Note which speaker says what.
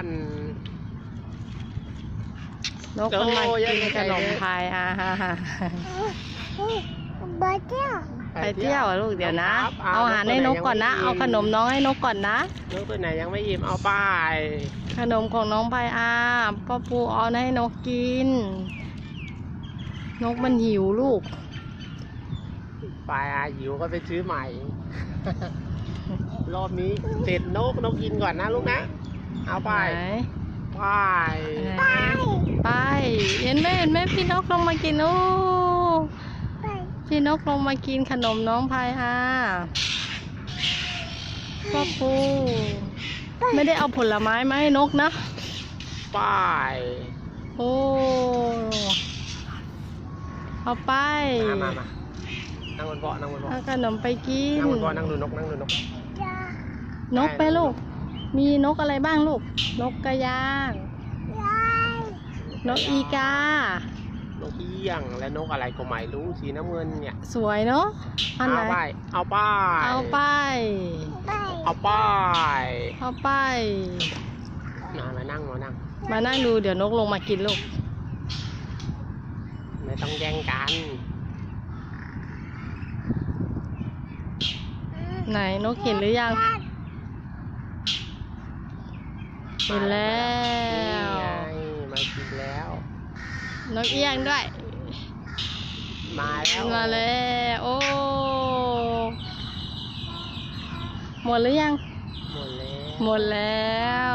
Speaker 1: นกมันมากินขนมพาย
Speaker 2: ไปเที่ยว
Speaker 1: ไปเที่ยวลูกเดี๋ยวนะ เอาอาหารให้นกก่อนนะ เอาขนมน้องให้นกก่อนนะ
Speaker 3: นกตัวไหนยังไม่อิ่มเอาไป
Speaker 1: ขนมของน้องพายพ่อปูเอาให้นกกิน นกมันหิวลูก
Speaker 3: ไปหิวก็ไปซื้อใหม่ รอบนี้เสร็จนกกินก่อนนะลูกนะเอาไปไป
Speaker 1: เห็นไหมพี่นกลงมากินโอ้พี่นกลงมากินขนมน้องพายพ่อปูไม่ได้เอาผลไม้มาให้นกนะ
Speaker 3: ไป
Speaker 1: โอ้เอาไป
Speaker 3: มานั่งบนเบาะ
Speaker 1: เอาขนมไปกิน
Speaker 3: นั่งบนเบาะนั่งดูนก
Speaker 1: นกไปลูกมีนกอะไรบ้างลูกนกกระยางนกอีกาน
Speaker 3: กเอี้ยงและนกอะไรก็ไม่รู้สีน้ำเงินเนี่ย
Speaker 1: สวยเนาะอันไหน
Speaker 3: เอาไปมานั่ง
Speaker 1: ดูเดี๋ยวนกลงมากินลูก
Speaker 3: ไม่ต้องแย่งกัน
Speaker 1: ไหนนกเห็นหรือยังเห็นแล้ว
Speaker 3: มากินแล้ว
Speaker 1: นกเอี้ยงด้วย
Speaker 3: มา
Speaker 1: แล้วโอ้หมดหรือยัง
Speaker 3: หมดแล้ว
Speaker 1: หมดแล้ว